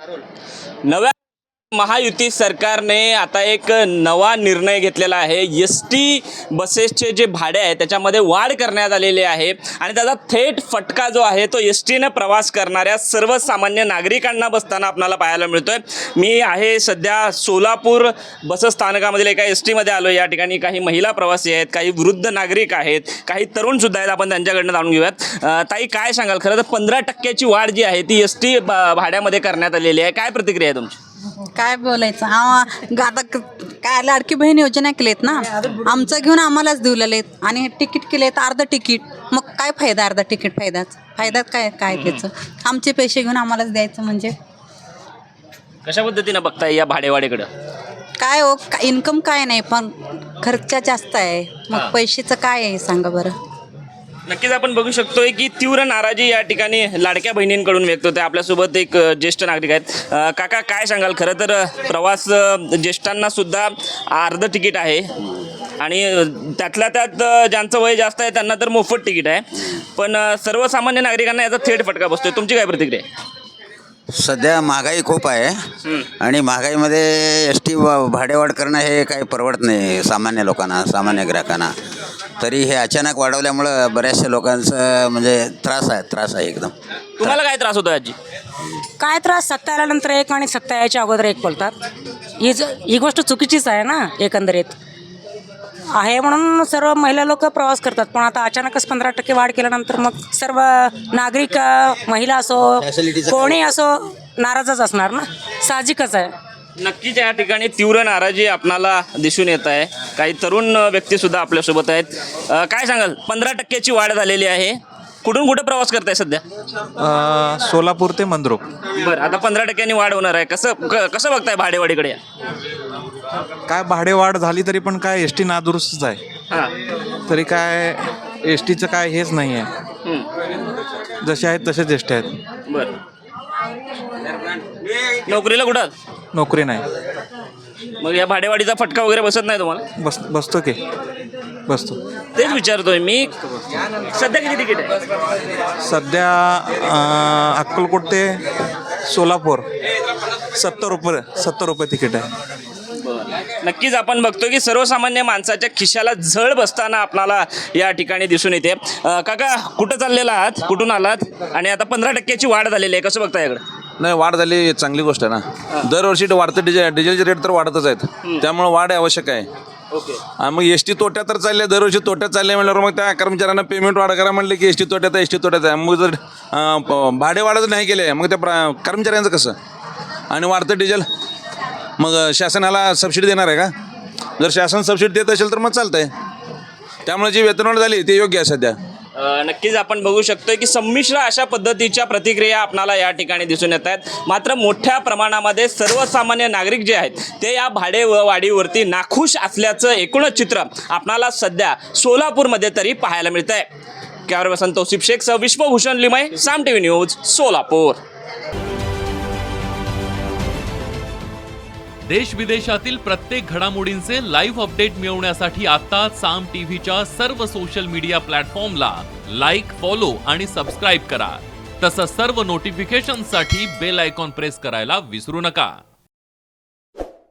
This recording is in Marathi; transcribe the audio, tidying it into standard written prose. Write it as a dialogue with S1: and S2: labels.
S1: नव्या महायुती सरकारने आता एक नवा निर्णय घेतलेला आहे। एस.टी. बसेसचे जे भाडे आहे त्याच्यामध्ये वाढ करण्यात आलेली आहे आणि त्याचा थेट फटका जो आहे तो एस.टीने प्रवास करणाऱ्या सर्वसामान्य नागरिकांना बसताना आपल्याला पाहायला मिळतोय। मी आहे सध्या सोलापूर बसस्थानकामधील एका एस.टीमध्ये आलो। या ठिकाणी काही महिला प्रवासी आहेत, काही वृद्ध नागरिक आहेत, काही तरुणसुद्धा आहेत। आपण त्यांच्याकडनं जाणून घेऊयात। ताई, काय सांगाल? खरं तर 15% वाढ जी आहे ती एस.टी भाड्यामध्ये करण्यात आलेली आहे। काय प्रतिक्रिया आहे तुमची?
S2: काय बोलायचं आता काय लाडकी बहीण योजना केलेत ना, आमचं घेऊन आम्हालाच दिलेत आणि तिकीट केलेत अर्ध तिकीट। मग काय फायदा? अर्धा तिकीट फायद्यात काय काय त्याचं? आमचे पैसे घेऊन आम्हालाच द्यायचं म्हणजे
S1: कशा पद्धतीनं बघताय या भाडेवाढीकडं?
S2: काय हो, इन्कम काय नाही पण खर्च जास्त आहे, मग पैशाचं काय आहे सांगा बरं?
S1: नक्कीच आपण बघू शकतोय की तीव्र नाराजी या ठिकाणी लाडक्या बहिणींकडून व्यक्त होते। आपल्यासोबत एक ज्येष्ठ नागरिक आहेत। काका, काय सांगाल? खरं तर प्रवास ज्येष्ठांना सुद्धा अर्ध तिकीट आहे आणि त्यातल्या त्यात ज्यांचं वय जास्त आहे त्यांना तर मोफत तिकीट आहे, पण सर्वसामान्य नागरिकांना याचा थेट फटका बसतोय। तुमची काय प्रतिक्रिया आहे?
S3: सध्या महागाई खूप आहे आणि महागाईमध्ये एस टी भाडेवाढ करणं हे काही परवडत नाही सामान्य लोकांना, सामान्य ग्राहकांना। तरी हे अचानक वाढवल्यामुळं बऱ्याचशा लोकांचं म्हणजे त्रास आहे एकदम।
S1: तुम्हाला काय त्रास होतो आजी?
S4: काय त्रास? सत्ता आल्यानंतर एक आणि सत्ता यायच्या अगोदर एक बोलतात। ही गोष्ट चुकीचीच आहे ना एकंदरीत आहे, म्हणून सर्व महिला लोक प्रवास करतात। पण आता अचानकच 15% वाढ केल्यानंतर मग सर्व नागरिक, महिला असो कोणी असो, नाराजच असणार ना, साहजिकच आहे।
S1: नक्कीच या ठिकाणी तीव्र नाराजी आपणाला दिसून येत आहे। काही तरुण व्यक्तीसुद्धा आपल्यासोबत आहेत। काय सांगाल? 15%ची वाढ झालेली आहे। कुठून कुठे प्रवास करताय सध्या?
S5: सोलापूर ते मंद्रुप।
S1: बरं, आता 15%नी वाढ होणार आहे। कसं बघताय भाडेवाढीकडे?
S5: काय भाडेवाढ झाली तरी पण काय एस टी नादुरुस्तच आहे। तरी काय एस टीचं काय हेच नाही आहे, जसे आहेत तसेच एस टी आहेत।
S1: बरं, नोकरीला कुठं?
S5: नोकरी नाही।
S1: मग या भाडेवाढीचा फटका वगैरे बसत नाही तुम्हाला?
S5: बसतो बसतो।
S1: तेच विचारतोय मी, सध्या किती तिकीट आहे?
S5: सध्या अक्कलकोट ते सोलापूर 70 रुपये तिकीट आहे।
S1: नक्कीच आपण बघतो की सर्वसामान्य माणसाच्या खिशाला झळ बसताना आपल्याला या ठिकाणी दिसून येते। काका, कुठं चाललेला आहात? कुठून आलात? आणि आता 15%ची वाढ झालेली आहे, कसं बघता याकडे?
S6: नाही, वाढ झाली चांगली गोष्ट आहे ना। दरवर्षी वाढतं डिझेलचे रेट तर वाढतच आहेत, त्यामुळे वाढ आवश्यक आहे।
S1: ओके,
S6: मग एस टी तोट्यात तर चालले, दरवर्षी तोट्यात चालले म्हणल्यावर मग त्या कर्मचाऱ्यांना पेमेंट वाढ करा म्हणले की एस टी तोट्यात आहे। मग जर भाडे वाढच नाही केले मग त्या कर्मचाऱ्यांचं कसं? आणि वाढतं डिझेल, मग शासनाला सबसिडी देणार आहे का? जर शासन सबसिडी देत असेल तर मग चालतं आहे। त्यामुळे जी वेतनवाढ झाली ते योग्य आहे सध्या।
S1: नक्कीच आपण बघू शकतो की संमिश्र अशा पद्धतीच्या प्रतिक्रिया आपणाला या ठिकाणी दिसून येत आहेत। मात्र मोठ्या प्रमाणामध्ये सर्वसामान्य नागरिक जे आहेत ते या भाडेवाढीवरती नाखुश असल्याचं एकूणच चित्र आपणाला सध्या सोलापूरमध्ये तरी पाहायला मिळतं आहे। कॅमेरा पर्सन तौसिफ शेखसह विश्वभूषण लिमय, साम टीव्ही न्यूज, सोलापूर।
S7: देश विदेशातील प्रत्येक घडामोडींचे लाईव्ह अपडेट मिळवण्यासाठी आता साम टीव्हीच्या सर्व सोशल मीडिया प्लॅटफॉर्मला लाईक, फॉलो आणि सबस्क्राईब करा। तसंच सर्व नोटिफिकेशनसाठी बेल आयकॉन प्रेस करायला विसरू नका।